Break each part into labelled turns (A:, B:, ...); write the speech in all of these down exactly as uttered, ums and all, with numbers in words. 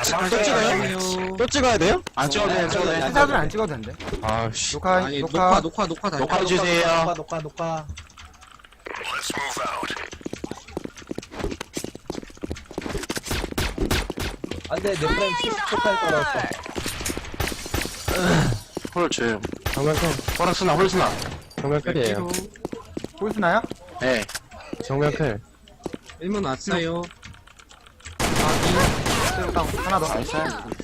A: 또 찍어요?
B: 또 찍어야 돼요?
A: 안 찍어도 돼, 안 찍어도 돼.
C: 사진은 안 찍어도 된대.
B: 아씨.
C: 녹화,
D: 아니
C: 녹화.
D: 녹화 녹화 녹화 다
A: 녹화 주세요.
E: 녹화 녹화 녹화. 안돼 내 프레임 칠십 초까지 떨어졌어.
A: 홀 조용.
B: 정면 클.
A: 호락스나, 홀스나.
B: 정면 클이에요.
C: 보이스나요?
A: 네.
B: 정면 클.
D: 일문 왔어요.
C: 다운. 하나 더.
A: 나이스.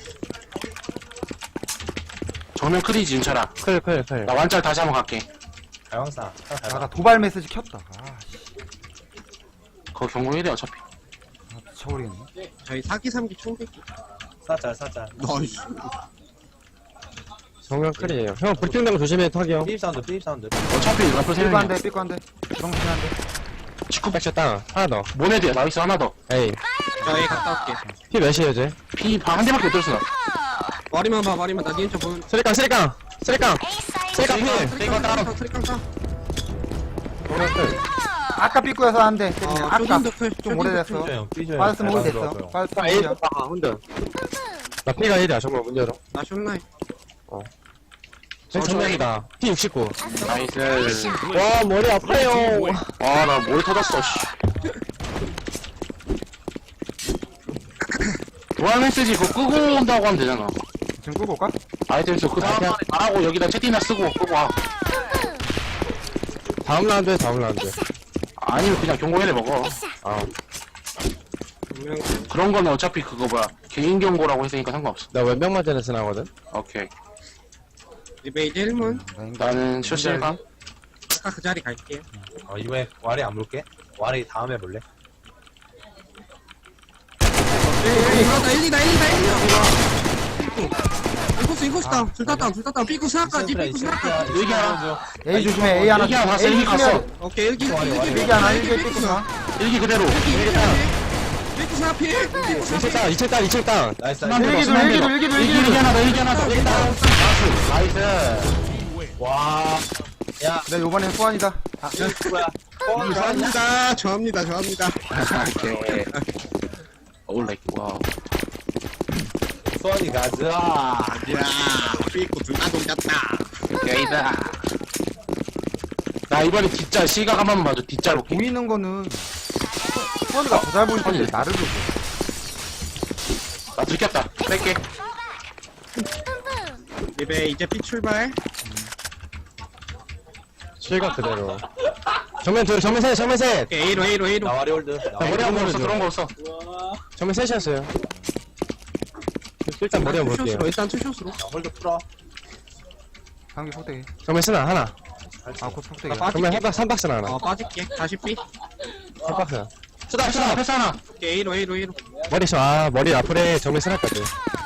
A: 정면 크리지, 윤철아.
B: 클, 클, 클.
A: 나 완짤 다시 한번 갈게.
E: 가영사.
C: 아, 나 도발 메시지 켰다. 아, 씨.
A: 그거 경고 일 해, 어차피.
C: 아, 미쳐버리겠네.
D: 저희 사기 삼기 총백기.
E: 사짤 사짤.
D: 나이스.
B: 정면 클이에요. 형, 불핑 된거 조심해, 턱이 형.
E: 삐입 사운드 삐입 사운드.
A: 어차피 라플 세
C: 삐꾸 한
A: 명이야.
C: 대, 삐꾸 한 대. 주방 조심 한 대.
A: 직구
B: 백샷 땅. 하나 더.
A: 모네드야, 나이스, 하나 더.
B: 에이.
D: 저희 갔다 올게.
B: 피 몇이에요, 쟤?
A: 피, 한 대밖에 못 들었어.
D: 머리만 봐 머리만 나 니은 쪽 보면.
B: 쓰리깡, 쓰리깡! 쓰리깡! 쓰리깡 필!
D: 트리깡 따라 트리깡 따.
B: 정면 클.
C: 아까 삐꾸여서 한 대. 때리네.
D: 어
C: 아까.
D: 쇼딘도 클.
C: 좀 오래됐어.
E: 삐줘요 삐줘요.
C: 빠졌으면 오래 됐어. 빠졌으면
B: 아, 에이,
C: 오래야.
B: 아, 혼자. 나 피가 일이야, 정말 문 열어.
D: 나 쇼나이.
B: 쟤 정면이다. 피 육십구.
A: 나이스.
B: 와, 머리 아파요.
A: 와, 나 머리 터졌어, 씨. 도안 메시지 그거 끄고 온다고 하면 되잖아.
C: 지금 끄고 올까?
A: 아이템스 그 다음에 말하고 여기다 채팅이나 쓰고 끄고 와.
B: 다음 라운드에 다음 라운드.
A: 아니면 그냥 경고해내 먹어.
B: 아,
D: 분명
A: 그런 거는 어차피 그거 뭐야. 개인 경고라고 했으니까 상관없어.
B: 나 왼병 맞은 애스 나거든?
A: 오케이.
D: 리베 이제 일문.
A: 나는 쇼실가?
D: 아까 그 자리 갈게요.
E: 어 이번에 와리 안 볼게. 와리 다음에 볼래?
D: 이거다 일, 이다 일, 이다 일. 인코스 인코스다. 둘다 다운 둘다 다운. 삐꾸 스나까지 삐꾸 스나까지.
A: 여기 하나.
C: A 조심해. A 하나.
A: 여기 하나 갔어,
C: A
A: 여기 갔어.
C: 조심해.
D: 오케이 일기 일기 일기
C: 일기 하나, 일기 삐꾸 하나.
A: 일기 그대로.
D: 삐꾸 스나 필. 삐꾸 스나
B: 이칠
D: 필.
B: 땅, 이칠 땅, 이칠 땅.
E: 나이스
A: 순환
E: 나이스.
A: 대로,
C: 일기도,
A: 순환
C: 일기도,
A: 대로.
C: 일기도,
A: 일기
C: 일기도.
A: 일기 하나 더, 일기 하나 더.
E: 나이스. 와. 야
C: 내 요번엔 소환이다. 아,
E: 뭐야? 뻥
D: 좋아합니다. 좋아합니다. 좋아합니다.
A: 오케이. 올라 와.
E: 소원이 가자.
D: 야, 삐꾸 둘다 동겼다.
A: 오케이다. 나 이번에 뒷짤 시각 한 번만 봐줘. 뒷짤 볼게.
C: 보이는 거는 소환이가 더 잘 보이는데
A: 아니.
C: 나를 보고.
A: 나 들켰다. 뺄게.
D: 리베 이제 삐 출발.
B: 실각 그대로. 정면 둘, 정면 셋, 정면 셋!
D: 오케이 A로 A로 A로.
E: 나 와리 홀드. 나
B: 나
E: 와리
B: 머리
A: 그런
B: 한
A: 거
B: 번
A: 없어.
B: 줘.
A: 그런 거 없어.
B: 정면 셋이었어요. 일단 머리 한번 볼게요.
D: 투숏으로, 일단 투숏으로.
E: 나 홀드 풀어.
C: 상기 폭대기.
B: 정면 쓰나, 하나.
C: 아, 곧 폭대기.
D: 나
B: 정면
D: 빠질게.
B: 한 박, 삼 박스나 하나.
D: 어 빠질게. 다시 삐.
B: 삼 박스. 쓰다,
A: 패스 하나,
B: 쓰다.
A: 패스 하나.
D: 오케이 A로 A로 A로.
B: 머리 쳐, 아, 머리 앞으로 정면 쓰나까지.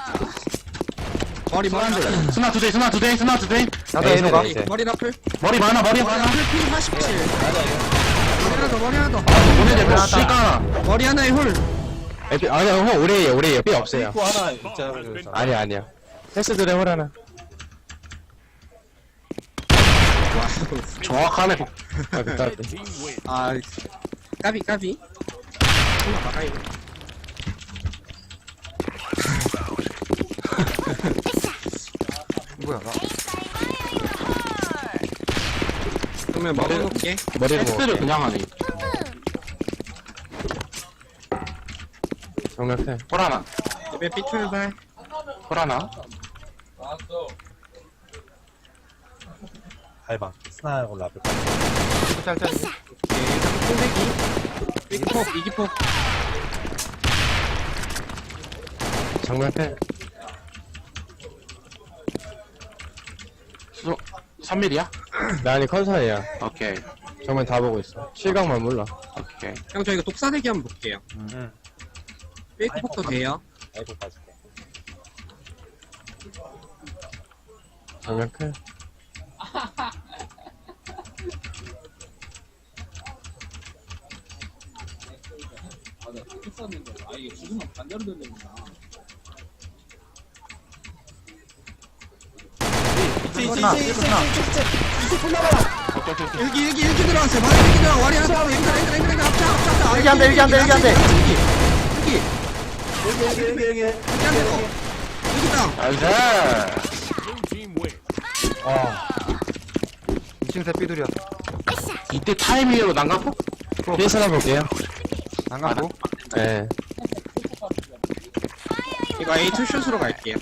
D: 머리 머리 하나.
A: 스나 두 대, 스나 두 대, 스나 두 대.
C: 나도
B: 에이,
C: A로 가.
B: 이제.
D: 머리 라플.
A: 머리 많아, 머리
D: 머리
A: 많아.
D: 라플 피 사십칠. 머리 하나 더 머리 하나 더.
A: 모네드 몇 시가 하나.
D: 머리 하나에 홀.
B: 에피, 아니야, 형, 오래예요, 오래예요. 삐 없어요.
E: 삐꾸 하나 있잖아. 그래서.
B: 아니야, 아니야. 패스들의 홀 하나.
A: 정확하네.
B: 아, 그 까비.
D: 아 까비 까비. 하나 막아요.
C: 뭐야, 나.
D: 그러면 먹어놓게.
B: 머리를
A: 패스를
B: 먹어.
A: 그냥 하네.
B: 정면 클.
A: 홀 하나.
D: 리베 삐 출발.
A: 홀 하나.
E: 발방. 스나하고 라플.
C: 삐꾸 짤짤.
D: 삐폭 이기폭.
B: 정면 클.
A: 수, 삼 밀이야?
B: 나 아니, 컨사이야.
A: 오케이.
B: 정면 다 보고 있어. 실각만 몰라.
A: 오케이.
D: 형 저희가 독사대기 한번 볼게요.
E: 응.
D: 삐폭도 돼요.
E: 아이고 빠질게.
B: 정면 클.
C: 삐꾸나, 삐꾸나.
A: 오케이, 오케이, 오케이.
D: 일기 일기 일기 들어왔어요. 머리 일기 들어. 머리 하나 더. 앵글 앵글 앵글 앵글 앞차 앞차 앞차.
C: 일기 한 대, 일기 한 대, 일기 한 대.
D: 일기. 일기.
E: 여기 여기 여기 여기.
D: 여기 한 대. 여기다.
A: 나이스.
E: 아
C: 이 층 새 삐둘이야.
A: 이때 타이밍으로 난가포?
B: 피해서 볼게요.
C: 안 가고.
B: 예.
D: 이거 A 투샷으로 갈게요.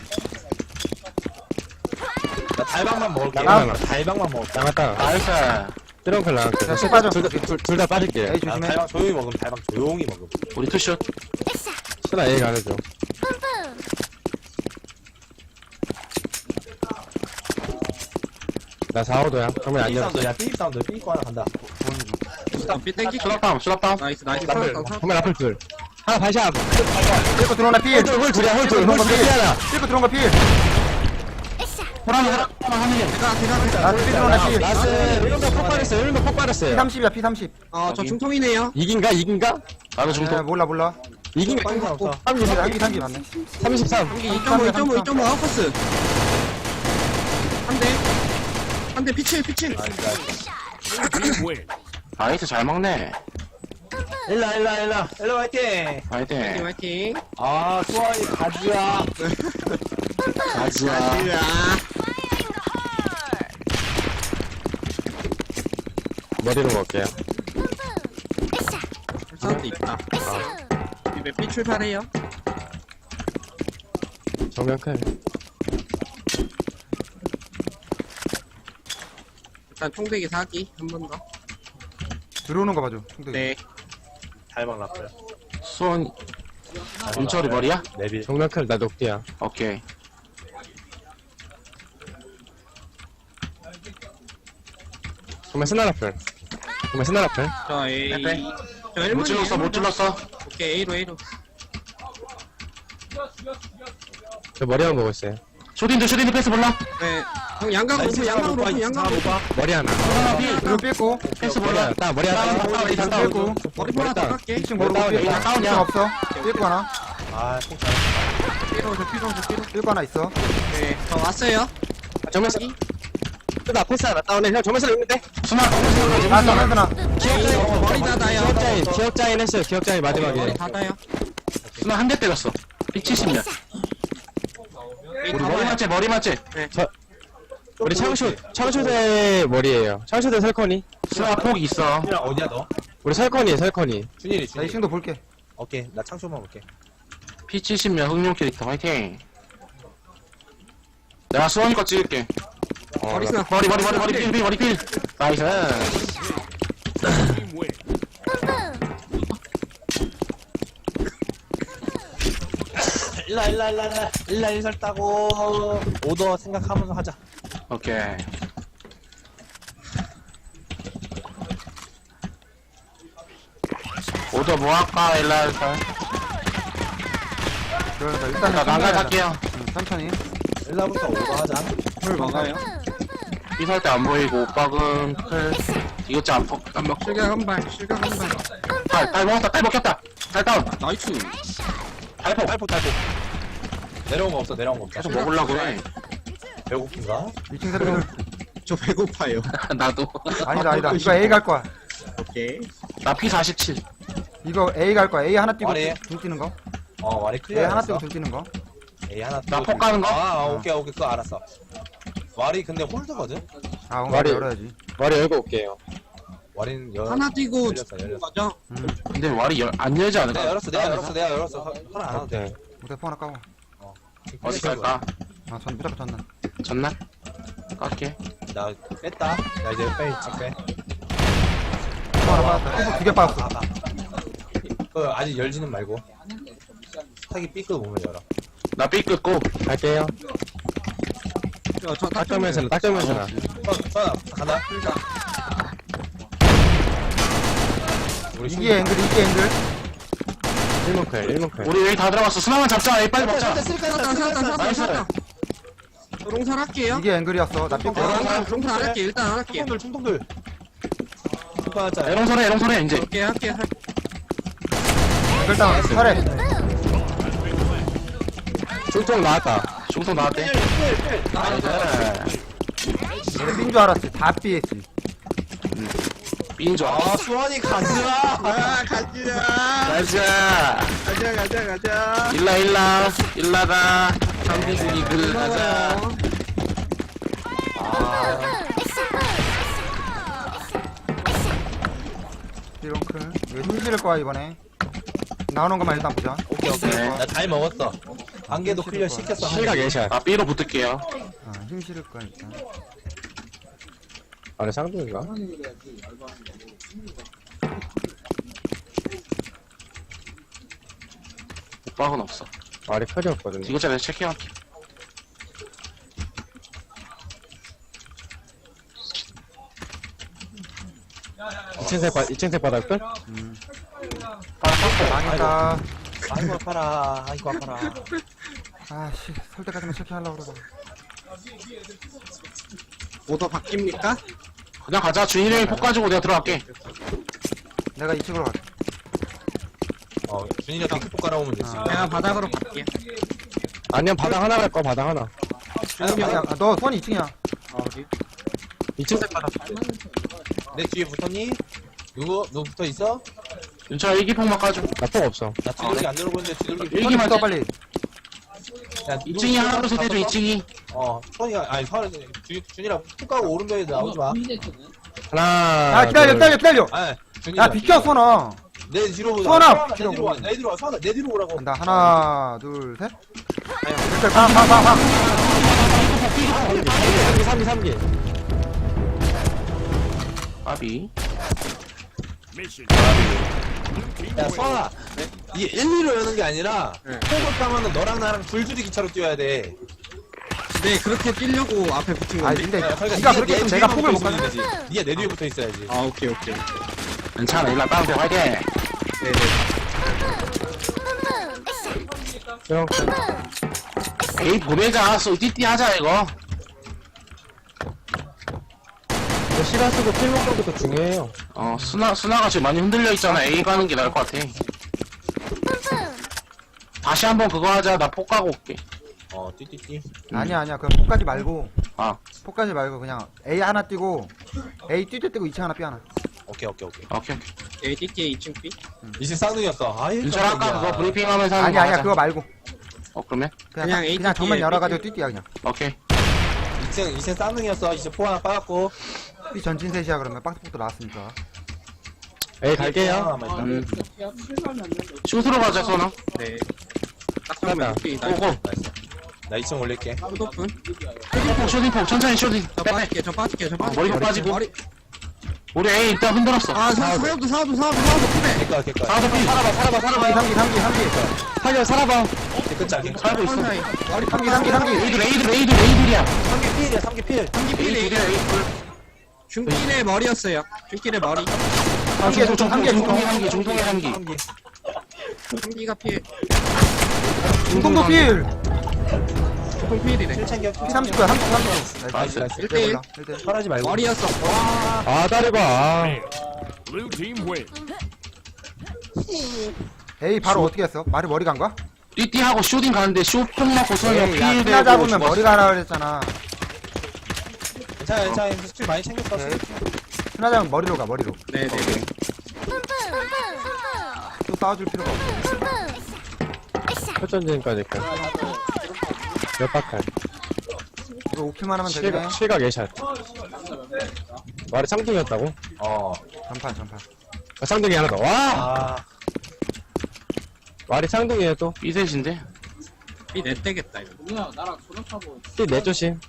E: 나 달방만 먹을게.
B: 나가.
E: 달방만 먹을게.
B: 나갔다.
A: 나이스.
B: 트렁클 나갈게요.
C: 야, 씨 빠져.
B: 둘다 빠질게요.
C: 에이,
E: 아,
C: 조심해.
E: 달방 조용히 먹으면 달방 조용히 먹음.
A: 우리 투슛.
B: 쓰나 A 가는 중. 나 사, 오도야. 정면 안
E: 삐
B: 열었어.
E: 사운드, 야, 삐 사운드, 삐 하나 간다.
D: 삐 땡기.
A: 수납다운, 수납다운.
D: 나이스 나이스.
E: 라플.
D: 살았다.
B: 정면 앞을 둘. 하나 반샷.
C: 삐고 들어오나 필.
B: 홀, 홀 둘이야, 홀 둘. 홀 둘, 삐 하나.
C: 삐고 들어온 거 필.
A: 호랑이 하나, 하나 하는 게.
D: 제가 제가
C: 나 삐 들어오나 필.
B: 나스, 일문도 폭 빠졌어요. 일문도 폭 빠졌어요.
C: 피 삼십이야, 피 삼십.
D: 어저 중통이네요.
B: 이긴가? 이긴가?
A: 나도
C: 에,
A: 중통.
C: 몰라, 몰라.
B: 이긴가?
E: 삐 사운드.
C: 삼십, 삼십, 삼십 맞네.
B: 삼십삼.
D: 여기 이 점 오, 이 점 오, 이 점 오 아웃커스. 한 대. 한 대 피칠 피칠.
A: 나이스, 잘 먹네.
E: 일라, 일라, 일라. 일라, 화이팅!
A: 화이팅.
D: 화이팅 화이팅.
E: 아, 수아이 가지야.
A: 가지야.
D: 야.
B: 머리로 먹을게요.
D: 사운드 있다. 이제 B 출발해요.
B: 정면 클.
D: 일단 총대기 사기 한 번 더.
C: 들어오는 거 봐줘. 총대기.
D: 네.
E: 달방 라플.
A: 수원, 윤철이 머리야?
E: 네빌.
B: 정면 클, 나 녹디야.
A: 오케이.
B: 정면 스나 라플. 정면 스나 라플.
D: 저 A.
A: 빼빼.
D: 저
A: 못
D: 일문이
A: 질렀어, 못 질렀어.
D: 오케이 A로 A로.
B: 저 머리만 보고 있어요.
A: 쇼딘도, 쇼딘도 패스 몰라?
D: 네. 형 양각 오고 양각으로 오고 양각으로 오고.
B: 머리 하나.
C: 들어 삐고.
A: 패스
B: 머리
A: 몰라?
B: 하나. 딱 머리 하나.
A: 다운, 다운, 다운.
C: 삐고.
D: 머리 하나 더 깎게.
C: 이 층 모르고
B: 다운이야,
C: 삐고.
A: 다 다운이야.
C: 이 층 없어. 삐고 하나.
E: 아, 폭탄.
D: B로 저 B로 저 B로.
C: 삐고 하나 있어.
D: 네. 저 왔어요.
B: 정면 스나. 스나 패스 하나 다운해. 형 정면 스나 있는데?
A: 수납,
C: 아, 잠깐, 잠깐.
D: 머리 닫아요.
B: 기억자인, 기억자인 했어요. 기억자인 마지막에.
D: 머리 닫아요.
A: 수납 한 대 때렸어. 피 칠십 년.
D: A
A: 우리 머리
D: 닫아요.
A: 맞지, 머리 맞지?
B: 우리 창쇼, 창쇼대 머리에요. 창쇼대 설커니.
A: 수납 폭 있어.
E: 준이랑 어디야, 너?
B: 우리 설커니, 설커니.
E: 준일이,
C: 나 이
E: 준일이.
C: 층도 볼게.
E: 오케이, 나 창조만 볼게.
A: 피 칠십 년 흑룡 캐릭터 화이팅. 내가 수원이 거 찍을게.
B: 어,
D: 머리
B: 나-
D: 스나.
A: 머리, 머리, 머리, 머리, 필, 필, 머리, 필. 나이스.
E: 일라, 일라, 일라, 일라. 일라, 일설 따고. 오더 생각하면서 하자.
A: 오케이. 오더 뭐 할까, 일라 할까?
C: 그러니까 일단은
A: 나 난갈
C: 천천히
A: 할게요.
C: 하자. 응, 천천히.
E: 일라부터 오더 하자.
D: 물 먹어요.
A: 삐설 때 안 보이고, 오빠은 클. 이것도 안, 먹- 안 먹고.
D: 실각 한 발. 실각 한 발.
A: 딸, 딸 먹었다, 딸 먹혔다. 딸 다운.
D: 나이스.
A: 달포.
E: 탈포, 탈포. 내려온 거 없어, 내려온 거 없어.
A: 계속 먹으려고 해.
E: 배고픈가?
C: 이 층 새 삐둘.
D: 저 배고파요.
A: 나도.
C: 아니다, 아니다. 이거 A 갈 거야.
D: 오케이.
A: 나 피 사십칠.
C: 이거 A 갈 거야. A 하나 뛰고
E: 말해.
C: 둘 뛰는 거.
E: 어, 와리
C: A
E: 클리어.
C: 하나 뛰고 둘 뛰는 거.
E: A 하나
A: 나
E: 띄고
A: 폭 가는 거?
E: 아, 아, 오케이, 오케이. 그거 알았어. 와리 근데 홀드거든?
C: 아, 뭔가
B: 머리.
C: 열어야지.
B: 머리 열고 올게요.
E: 와리는 열.
D: 하나 뛰고
E: 열렸어, 열렸어.
D: 가죠.
A: 근데 말이 열, 안 열지 않을까?
E: 내가 열었어, 내가 열었어, 내가 열었어. 허락 안 해도 돼.
B: 네.
C: 대포 하나 까고.
A: 어디 갈까?
C: 아, 전 무조건 졌나.
A: 졌나? 깎게.
E: 나 뺐다. 나 이제 빼, 집 빼.
C: 대포 하나 빠졌다. 두개 빠졌어.
E: 아, 아. 그 아직 열지는 말고. 스탁이 삐끗 보면 열어.
A: 나 삐 끊고.
B: 갈게요.
D: 저, 저
B: 딱정면 스나, 딱정면 스나.
E: 선, 선, 간다. 우리
C: 이게 앵글, 이게 앵글.
B: 일문 클, 일문 클.
A: 우리 여기 다 들어갔어. 수나만 잡자. 에이, 빨리 먹자.
D: 살았다, 살았다, 살았다,
A: 나이스.
D: 살았다. 롱살 할게요.
C: 이게 앵글이었어. 나 삐고.
D: 롱살, 롱살 안 할게. 일단 안 할게.
E: 충동들, 충동들. 축하하자.
A: 에롱소래, 에롱소래, 이제.
D: 오케이, 할게, 할게.
C: 앵글 다운. 설해.
B: 중통 나왔다.
A: 중통 나왔대. 나이스.
C: 내가 삔줄 알았지. 다 삐했지.
A: B인 줄
E: 아,
A: 알았어.
E: 수원이 가즈아.
D: 아 가자
A: 가자.
D: 가자 가자 가자
A: 일라 일라 일라가 champions 리그 가자.
C: 삐롱클. 이거 힘 실을 거야, 이번에. 나오는 것만 일단 보자.
E: 오케이, 오케이.
A: 네.
E: 나 잘 먹었어. 안개도 클리어 시켰어.
B: 실각 예샷.
A: 아 B로 붙을게요.
C: 아, 힘 실을 거야, 일단.
B: 아래 쌍둥이가?
A: 오빠는 없어.
B: 말이 클이었거든요.
A: 이거 전에 체크할게.
B: 이 층색 바, 이 층색 바닥들?
C: 망했다.
E: 아이고, 아파라. 아이고, 아파라.
C: 아, 씨. 설 때까지만 체크하려고 그러다.
D: 오더 바뀝니까?
A: 그냥 가자. 준일이 형이 폭 가지고 내가 들어갈게.
C: 내가 이 층으로 갈게.
E: 어, 준이가 핑크폭 깔아오면 되지.
C: 아.
D: 내가 바닥으로 갈게
B: 아니면 바닥 하나 갈 거, 바닥 하나.
C: 야, 야, 너 수원이 이 층이야.
B: 이 층색 바닥.
E: 내 뒤에 붙었니? 누구? 누구 붙어 있어?
A: 윤철아 일기폭만 까줘.
B: 나폭 없어.
E: 나 뒤돌기 안 누르고 있는데 뒤돌기.
C: 수원이
A: 일기만
C: 붙어,
A: 돼.
C: 빨리.
E: 야,
A: 이 층이 하나로 세대줘. 이 층이.
E: 어, 손이가 아니, 손이 준- 준이랑 푹 가고 오른쪽에 나오지 마.
B: 하나.
C: 야, 기다려, 기다려, 기다려.
E: 아, 준이.
C: 야, 비켜, 수원아.
E: 내 뒤로 오자.
C: 수원아,
E: 내 뒤로 와. 내 뒤로 와. 수원아, 내 뒤로 오라고.
C: 간다. 하나, 둘, 셋. 일단 가, 가, 가, 가.
B: 삼 기, 삼 기.
A: 아비.
E: 야, 수원아. 이게 일, 이로 여는 게 아니라 폭을 까면은 너랑 나랑 줄줄이 기차로 뛰어야 돼.
D: 네 그렇게 뛰려고 앞에 붙인
C: 아,
D: 건데
C: 근데
E: 야, 그러니까
C: 네가
E: 네-
C: 그렇게
E: 내
C: 했으면
E: 뒤에
C: 내가
E: 붙어
C: 폭을 못
E: 있으면
C: 가지.
E: 되지. 네가 내 뒤에 붙어 있어야지.
D: 아 오케이 오케이
A: 괜찮아. 일라 빵 화이팅.
B: 형,
A: 에이 보내자. 쏘 띠띠 하자 이거.
B: 이거 시간 쓰고 필 먹는 것도 중요해요.
A: 어 수나 수나가 지금 많이 흔들려 있잖아. A 가는 게 나을 것 같아. 다시 한번 그거 하자. 나 폭 가고 올게.
E: 어, 띠띠띠.
C: 아니야, 아니야. 그럼 폭까지 말고.
A: 아
C: 폭까지 말고 그냥 A 하나 뛰고 A 띠띠 뛰고 이 층 하나 B 하나.
E: 오케이, 오케이, 오케이.
A: 오케이 오케이.
D: A 띠띠에 이 층 B
E: 이십 쌍둥이였어. 아이,
A: 윤철아 아까 그거 브리핑하면서 하는
C: 아니
A: 거
C: 아니야,
A: 하자.
C: 그거 말고.
A: 어 그러면
C: 그냥
D: 그냥
C: 그냥,
D: A
C: 그냥 정면
D: 띠띠에
C: 열어가지고 띠띠야 그냥.
A: 오케이.
E: 이 층, 이 층 쌍둥이였어. 이제 포 하나 빠졌고.
C: B 전진 셋이야 그러면 박스폭도 나왔으니까.
B: 에이, 갈게요.
A: 음. 슛으로 가자 선아.
D: 네딱 그러면 B 나
A: 고고.
E: 나 이 층 올릴게.
D: 오픈
A: 쇼딩폭 쇼딩폭 천천히 쇼딩.
D: 저
A: 빼빼.
D: 빠질게 저 빠질게 저
A: 어,
D: 빠질게
A: 머리가 빠지고.
D: 머리
A: 우리 A 일단 흔들었어.
D: 아 사- 사업도 사업도 사업도 사업도 그래
E: 개꺼, 개꺼.
A: 사도 B.
B: 살아봐, 살아봐, 살아봐.
C: 삼기 삼기 삼기
B: 살려, 살아봐.
E: 개꺼, 개꺼.
A: 살고 있어.
D: 사이
C: 삼기 삼기 삼기 삼기.
A: A들 A들 A들 A들이야.
E: 삼 개 필이야, 삼 개 필.
D: 삼기
A: A
D: B네
A: 둘이야 A 둘.
D: 중길의 머리였어요 중길의 머리
C: 삼기
A: 중통
C: 중통 삼기
A: 중통의
C: 중통.
A: 한기 중통의 한기.
E: 삼 개.
D: 삼기가 피해
C: 중통도 필.
D: 중통 피해이네
E: 칠 챙겨.
C: P 삼십구야 삼십 삼십.
A: 나이스.
E: 나이스.
D: 일 대 일
C: 일 대 일.
E: 설하지 말고.
D: 머리였어
B: 아, 다리봐. 아.
F: Blue team win.
C: A 바로 어떻게 했어? 말이 머리 간 거야?
A: 띠띠하고 쇼딩 가는데 쇼폭 맞고 소영이
C: 에이, 야,
A: 필
C: 피나
A: 되고
C: 잡으면 머리가 하라 그랬잖아.
E: 괜찮아, 괜찮아. 스킬 많이 챙겼어.
C: 오케이. 피나 잡으면 머리로 가 머리로.
D: 네네
C: 또 싸워줄 필요가 없어.
B: 설전진까지 갈. 몇 박할.
C: 이거 오킬만 하면 되겠네.
B: 실각, 실각 예샷. 말이 쌍둥이였다고?
E: 어.
C: 전판 전판.
B: 아, 쌍둥이 하나 더. 와!
E: 아.
B: 말이 쌍둥이에요, 또.
A: B셋인데.
D: B 넷대겠다 이거
B: 띠 내조심.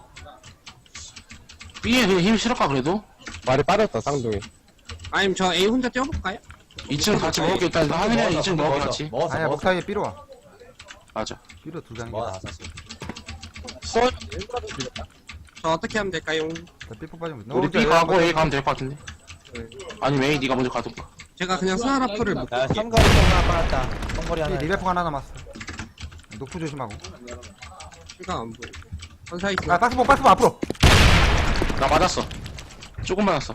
A: B에 그냥 힘 실을까 그래도?
B: 말이 빠졌다, 쌍둥이.
D: 아니면 저 A 혼자 뛰어볼까요?
A: 이 층 같이 먹을게 일단 하늘이랑 이 층 먹어 같이.
E: 먹었어,
C: 아니야 목
E: 먹었어.
C: 사이에 B로 와.
A: 맞아.
C: B로 두 장이.
E: 먹어, 다 샀어.
B: 수원,
D: 저 어떻게 하면 될까요?
C: 삐뽀 빠지면. 너
A: 우리
C: 혼자
A: B
C: 여기
A: 가고
C: 한번
A: A 가면 될 것 같은데. 아니면 A 네가 먼저 가던가.
D: 제가 그냥 스나라프를 못
E: 야, 삼거리 통 하나 빨았다. 삼거리 하나.
C: 이 리베프 하나 남았어. 노프 조심하고.
D: 시간 안 보여 선사이
C: 아 박스폭 박스폭 앞으로.
A: 나 맞았어. 조금 맞았어.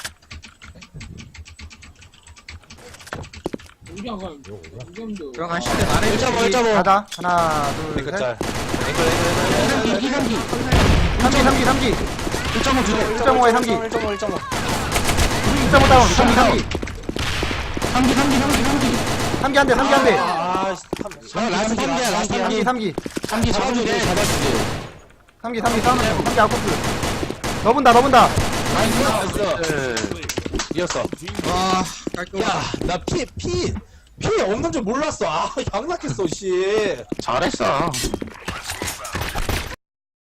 D: 들어가실 때 말해
B: 일 점 오, 일 점 오.
C: 가자. 하나 둘
E: 앵글
C: 셋.
E: 짤. 앵글, 앵글, 앵글, 앵글.
A: 이상기 이상기.
C: 삼기 삼기 삼기.
A: 일 점 오 주래.
C: 일 점 오에 삼기.
E: 일 점 오, 일 점 오.
C: 이점오 다운 삼기 삼기
D: 삼기 삼기 삼기 삼기
C: 삼기 한대 삼기 한대
E: 아,
B: 형 라스트 삼 개야 라스트
C: 삼기 삼기
B: 삼기 잡아주게 잡아주게
C: 삼기 삼기 싸우면 돼 삼기 아웃코스 너 본다 너 본다
E: 나이스, 나이스. 이겼어.
D: 와 깔끔
E: 야, 나 피, 피, 피 없는 줄 몰랐어. 아, 양락했어, 씨.
A: 잘했어.